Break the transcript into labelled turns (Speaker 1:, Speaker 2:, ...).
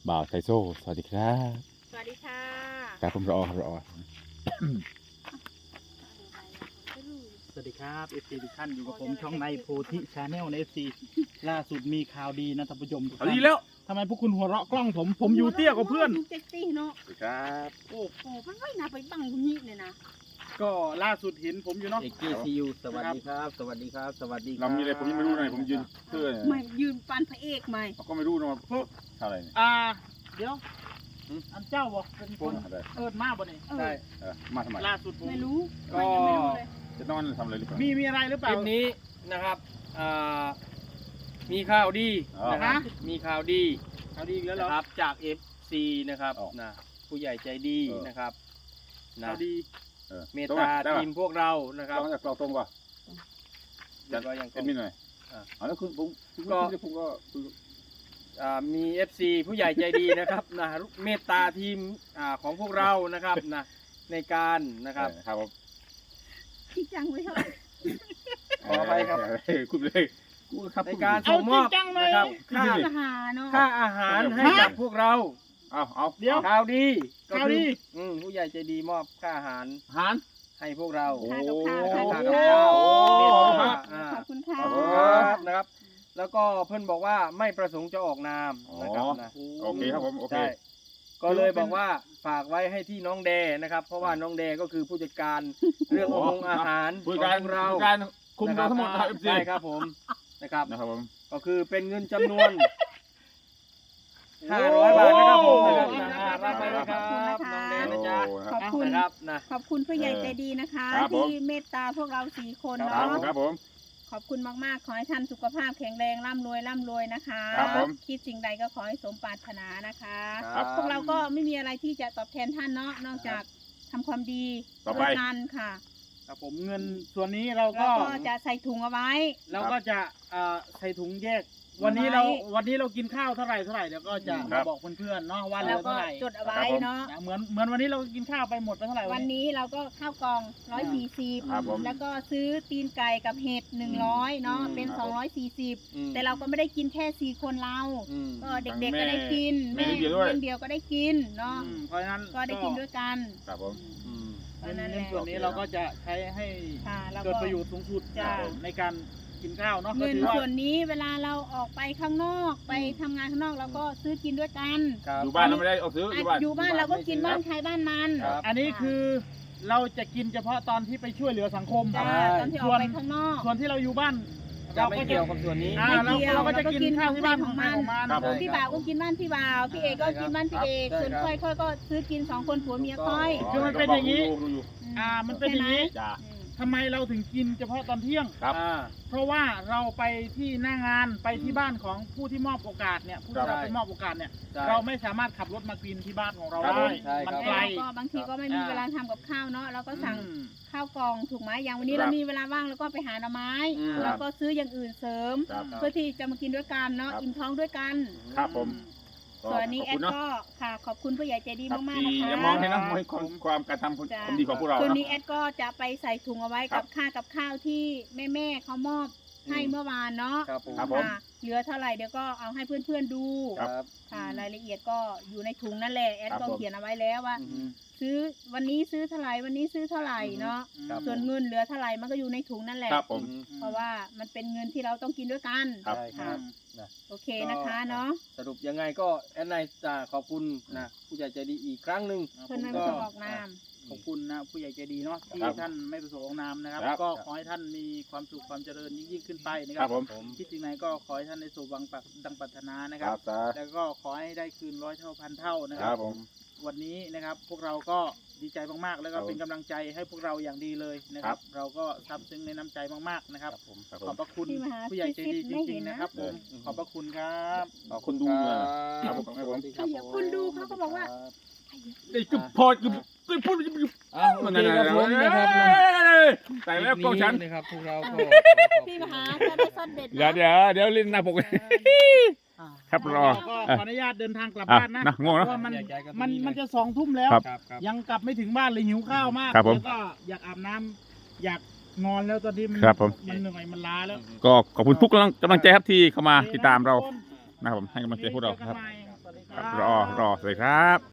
Speaker 1: บ่าวไทโซ่สวัสดีครับ
Speaker 2: สวัสดีค่ะ
Speaker 1: ครับผมรอครับรอ
Speaker 3: สวัสดีครับ FC ทุกท่านอยู่กับผมช่องในโพธิชาแนลใน FC ล่าสุดมีข่าวดีนะท่านผู้ชมทุกท่าน
Speaker 1: ดีแล้ว
Speaker 3: ทำไมพวกคุณหัวเราะกล้องผมอยู่เตี้ยกว่าเพื่อน
Speaker 2: เซ็กซี่เนาะ
Speaker 1: สวัสดีครับ
Speaker 3: โอ้
Speaker 2: โอ้มันไม่น่าไปบังคนนี้เลยนะ
Speaker 3: ก็ล่าสุดเห็นผมอยู่เนาะ
Speaker 4: เอกกี้ซียูสวัสดีครับ สวัสดีครับ สวัสดีครับ
Speaker 1: เรามีอะไรผมยังไม่รู้เลยผมยืนเพื่อ
Speaker 2: ไม่ยืนปันพระเอกไหม
Speaker 1: เขาก็ไม่รู้นะว่าเท่าไหร่เนี่ย
Speaker 3: เดี๋ยวอันเจ้าบอกเป็นคน
Speaker 1: อะไร
Speaker 3: เอิญมาบ่เนี่ย
Speaker 2: เออ
Speaker 4: ใช่
Speaker 1: มาทำไม
Speaker 3: ล่าสุดผม
Speaker 2: ไม่รู้
Speaker 4: ก็
Speaker 2: ไม่ยังไม่รู้เลย
Speaker 1: จะนอนทำอะไรหรือเปล่า
Speaker 3: มีอะไรหรือเป
Speaker 4: ค
Speaker 3: ล่า
Speaker 4: ลิปนี้นะครับมีข่าวดีนะครับ มีข่าวดี
Speaker 3: ข่าวดีอีกแล้วเหร
Speaker 4: นะ
Speaker 3: อ
Speaker 4: ครับจาก FC นะครับนะผู้ใหญ่ใจดีนะครับนะ
Speaker 3: ข่าวดี
Speaker 4: เมตตาทีมพวกเรานะครับ
Speaker 1: ต้องจากเราตรงป่ะ
Speaker 4: แล้วก็ยัง
Speaker 1: เอ็ดมินหน่อยแล้วคุณผมก็
Speaker 4: มี FC ผู้ใหญ่ใจดีนะครับนะเมตตาทีมของพวกเรานะครับนะในการนะครับ
Speaker 1: ครับผม
Speaker 2: จริงจังไว้เถอะ
Speaker 4: ขออภัยครับ
Speaker 1: คุณเลยครับ
Speaker 4: ในการส่งมอบนะครับค่า
Speaker 2: ทหารเนาะ
Speaker 4: ค่าอาหารให้กับพวกเรา
Speaker 1: เอา
Speaker 3: เดี๋ยว
Speaker 4: ข่าวดีก็
Speaker 3: ข่าว
Speaker 4: คื
Speaker 3: ดี
Speaker 4: ผู้ใหญ่ใจดีมอบค่าอาหาร
Speaker 1: หาร
Speaker 4: ให้พวกเรา
Speaker 1: โอ้
Speaker 2: ค่ากับข้าว
Speaker 4: โอ้
Speaker 2: ค่ากับข้าว
Speaker 4: โห
Speaker 2: ขอบคุณค่ะ
Speaker 4: ครับนะครับ แล้วก็เพื่อนบอกว่าไม่ประสงค์จะออกนามนะครับนะ
Speaker 1: โอเคครับผมโอเค
Speaker 4: ใช่ก็เลยบอกว่าฝากไว้ให้ที่น้องแดนะครับ เพราะว่าน้องแดก็คือผู้จัดการเรื่องอาหาร
Speaker 1: ผู้
Speaker 4: ข
Speaker 1: การ
Speaker 4: องเรา
Speaker 1: การคุมเราทั้งหมด
Speaker 4: นะ
Speaker 1: ค
Speaker 4: ค
Speaker 1: รั
Speaker 4: รั
Speaker 1: บบ
Speaker 4: ใช่ครับผมนะครับ
Speaker 1: นะครับผม
Speaker 4: ก็คือเป็นเงินจำนวน 500 บาทนะครับผมนะครับนะรับไปนะครับน้องแดนะจ๊ะ
Speaker 2: ขอบคุณ
Speaker 4: นะครับนะ
Speaker 2: ขอบคุณผู้ใหญ่ใจดีนะคะ
Speaker 1: ครับผม
Speaker 2: ที่เมตตาพวกเรา4 คน
Speaker 1: ครั
Speaker 2: เนาะ
Speaker 1: บผม
Speaker 2: ขอบคุณมากๆ ขอให้ท่านสุขภาพแข็งแรงร่ำรวยนะคะ
Speaker 1: ครับผม
Speaker 2: คิดสิ่งใดก็ขอให้สมปรารถนานะคะ
Speaker 1: ครับ
Speaker 2: พวกเราก็ไม่มีอะไรที่จะตอบแทนท่านเนาะนอกจากทำความดี
Speaker 1: ต่อไป
Speaker 2: ด้วยกันค่ะ
Speaker 3: ครับผมเงินส่วนนี้เรา
Speaker 2: แล้
Speaker 3: ก็
Speaker 2: วก็จะใส่ถุงเอาไว้
Speaker 3: เราก็จะใส่ถุงแยก วันนี้เรากินข้าวเท่าไหร่เดี๋ยวก็จะ
Speaker 1: ครั
Speaker 3: มา
Speaker 1: บ
Speaker 3: บอกเพื่อนๆเนาะว่าเหลื
Speaker 2: แล้
Speaker 3: อ
Speaker 2: วก็
Speaker 3: เท่าไหร่
Speaker 2: จดเอาไว้เนาะ
Speaker 3: นะเหมือนวันนี้เรากินข้าวไปหมดไปเท่าไหร่
Speaker 2: วันนี้เราก็ข้าวกล่อง
Speaker 1: ครับผม
Speaker 2: 140แล้วก็ซื้อตีนไก่กับเห็ด100เนาะเป็น
Speaker 1: ครับผม
Speaker 2: 240แต่เราก็ไม่ได้กินแค่4 คนเรา ก็เด็กๆก็ได้กิน
Speaker 1: แม่เลี้ยงเดี่ยวด้วย
Speaker 2: เลี้ยงเดียวก็ได้กินเนาะ
Speaker 3: เพราะฉะนั้น
Speaker 2: ก็ได้กินด้วยกัน
Speaker 1: ครับผม
Speaker 2: เพราะฉะนั้น
Speaker 3: เงิ
Speaker 2: แห
Speaker 3: น
Speaker 2: ละ
Speaker 3: ส่วนนี้เราก็จะใช้ให้
Speaker 2: ค่ะแล้ว
Speaker 3: เกิด
Speaker 2: ก็
Speaker 3: ประโยชน์สูงสุด
Speaker 2: จ้ะ
Speaker 3: ในการกินข้าวเนาะก็
Speaker 2: เงิน
Speaker 3: ถือว่า
Speaker 2: ส่วนนี้เวลาเราออกไปข้างนอกไปทำงานข้างนอกเราก็ซื้อกินด้วยกัน
Speaker 4: ครับ
Speaker 1: อยู่บ้านเราไม่ได้เอาซื้ออยู่บ้าน
Speaker 2: อยู่บ้านเราก็กินบ้านใครบ้านมัน
Speaker 4: ครับ
Speaker 3: อันนี้คือเราจะกินเฉพาะตอนที่ไปช่วยเหลือสังคม
Speaker 2: จ้า
Speaker 4: ใช่
Speaker 2: ตอนที่ออกไปข้างนอก
Speaker 3: ส่วนที่เราอยู่บ้าน
Speaker 4: จะไม่เกี่ยวกับส่วนนี้
Speaker 2: ไม่เกี่ยว
Speaker 3: เราก็จะกินข้าวที่บ้าน
Speaker 2: ของมัน
Speaker 1: ครับผม
Speaker 2: พี่บ่าวก็กินบ้านพี่บ่าวพี่เอกก็กินบ้านพี่เอก
Speaker 4: ใช่
Speaker 2: ส่วน
Speaker 4: ครับ
Speaker 2: ค่อยก็ซื้อกิน2 คนผัวเมียค่อย
Speaker 3: คือมันเป็นอย่างนี้
Speaker 1: ดูอยู่
Speaker 3: มันเป็นอย่างนี้
Speaker 1: จ้า
Speaker 2: อืม
Speaker 3: ทำไมเราถึงกินเฉพาะตอนเที่ยง
Speaker 1: ครับ
Speaker 3: เพราะว่าเราไปที่หน้างานไปที่บ้านของผู้ที่มอบโอกาสเนี่ยผู้ที่
Speaker 4: ครับ
Speaker 3: เราไปมอบโอกาสเนี่ย
Speaker 4: ใช่
Speaker 3: เราไม่สามารถขับรถมากินที่บ้านของเรา
Speaker 1: ครับ
Speaker 3: ได้
Speaker 4: ใช่
Speaker 3: มัน
Speaker 4: ครับ
Speaker 3: ไกล
Speaker 2: แล้วก็บางทีก็ไม่มีเวลาทำกับข้าวเนาะเราก็สั่ง
Speaker 3: อืม
Speaker 2: ข้าวกล่องถูกไหมอย่างวันนี้
Speaker 1: ครับ
Speaker 2: เรามีเวลาว่างแล้วก็ไปหาหน่อไม้
Speaker 4: อืม
Speaker 2: เราก็ซื้ออย่างอื่นเสริม
Speaker 1: ครับ
Speaker 2: เพื่อที่จะมากินด้วยกันเนาะ
Speaker 1: ครับ
Speaker 2: อิ่มท้องด้วยกัน
Speaker 1: ครับผม
Speaker 2: ส่วนอันนี้
Speaker 1: ข
Speaker 2: แอ
Speaker 1: อบ
Speaker 2: ด
Speaker 1: คุณเนาะ
Speaker 2: ก็ค่ะขอบคุณผู้ใหญ่ใจดี
Speaker 1: ครับ
Speaker 2: มากๆ
Speaker 1: ที่
Speaker 2: นะคะ
Speaker 1: อย่ามองให้นะมองให้ความการทำความดีของพวกเรา
Speaker 2: ส่วน
Speaker 1: เนาะ
Speaker 2: นี้แอดก็จะไปใส่ถุงเอาไว้
Speaker 1: ครั
Speaker 2: กับ ข้าวที่แม่เขามอบให้เมื่อวานเนาะ
Speaker 4: ครับผม
Speaker 1: ครับผม
Speaker 2: ค่ะเหลือเท่าไหร่เดี๋ยวก็เอาให้เพื่อนๆดู
Speaker 4: ครับ
Speaker 2: ค่ะรายละเอียดก็อยู่ในถุงนั่นแหละแอด
Speaker 1: ครับ
Speaker 2: ก็
Speaker 1: ผม
Speaker 2: เขียนเอาไว้แล้วว่า ซื้อวันนี้ซื้อเท่าไหร่วันนี้ซื้อเท่าไหร่เนาะ
Speaker 4: ครับ
Speaker 2: ส่วนเงินเหลือเท่าไหร่มันก็อยู่ในถุงนั่นแหละ
Speaker 1: ครับผม
Speaker 2: เพราะว่ามันเป็นเงินที่เราต้องกินด้วยกัน
Speaker 1: ครับ
Speaker 4: ใช่ครับ
Speaker 2: โอเคนะคะเนาะ
Speaker 4: สรุปยังไงก็แอนไนจะขอบคุณนะผู้ใหญ่ใจดีอีกครั้งหนึ่ง
Speaker 2: เพื่อนไม่ประสงค์ออกนาม
Speaker 3: ขอบคุณนะผู้ใหญ่ใจดีเนาะที่
Speaker 1: ครับ
Speaker 3: ท่านไม่ประสงค์ออกนามนะครับ
Speaker 1: ครับ
Speaker 3: ก็ขอให้ท่านมีความสุขความเจริญยิ่งขึ้นไปนะค
Speaker 1: ค
Speaker 3: รั
Speaker 1: รั
Speaker 3: บบ
Speaker 1: ผม
Speaker 3: คิดสิ่งไหนก็ขอให้ท่านได้สู่วังดังปรารถนานะ
Speaker 1: ค
Speaker 3: ค
Speaker 1: รั
Speaker 3: รั
Speaker 1: บบ จ้า
Speaker 3: แล้วก็ขอให้ได้คืน100 เท่าพันเท่านะ
Speaker 1: ค
Speaker 3: ค
Speaker 1: รั
Speaker 3: รั
Speaker 1: บบ ผม
Speaker 3: วันนี้นะครับพวกเราก็ดีใจมากๆ แล้วก็
Speaker 1: ครับ
Speaker 3: เป็นกำลังใจให้พวกเราอย่างดีเลยนะครับ เราก็ซาบซึ้งในน้ำใจมากๆนะครับ
Speaker 1: ครับผ
Speaker 3: ขอบ
Speaker 1: ม
Speaker 3: พระคุณ
Speaker 2: ที่มาหา
Speaker 3: ผู้ใหญ่ใจดีจ
Speaker 2: ไม่
Speaker 3: ริ
Speaker 2: เห็
Speaker 3: ง
Speaker 2: น
Speaker 3: ๆ
Speaker 2: นะ
Speaker 3: นะครับผมขอบพระคุณครับ
Speaker 1: เอาคนดูเลยครับผมครับผม
Speaker 2: ถ้าอยากคุณดูเขาก็บอกว่า
Speaker 1: ไอ้กึบพอดกึบพูด
Speaker 4: อ้าวโอเคครับผมนะครับ
Speaker 1: แต่แล้วกล้องฉัน
Speaker 4: นะครับพวกเราก็
Speaker 2: พี่มหาจะได้ซอดเด็ด
Speaker 1: เดี๋ยวเล่นหน้าปก ครับรอ
Speaker 3: ก็ขออนุญาตเดินทางกลับ
Speaker 1: อ่ะ
Speaker 3: บ้านนะ
Speaker 1: นะง่วง
Speaker 3: เพ
Speaker 1: เนาะ
Speaker 3: ราะว่ามันจะ2 ทุ่มแล้ว
Speaker 1: ครับ
Speaker 4: ครับ
Speaker 3: ยังกลับไม่ถึงบ้านเลยหิวข้าวมาก
Speaker 1: ครับผม
Speaker 3: แล้วก็อยากอาบน้ำอยากนอนแล้วตอนนี้มัน
Speaker 1: ครับผม
Speaker 3: มันเหนื่อยมันล้าแล้ว
Speaker 1: ก็ขอบคุณทุกกำลังใจครับที่เข้ามาติดตามเรานะครับผมให้กำลังใจพวกเราครับ
Speaker 3: สวัสดี
Speaker 1: ครับ
Speaker 3: ค
Speaker 1: รอ
Speaker 3: บ
Speaker 1: รอสวัสดีครับ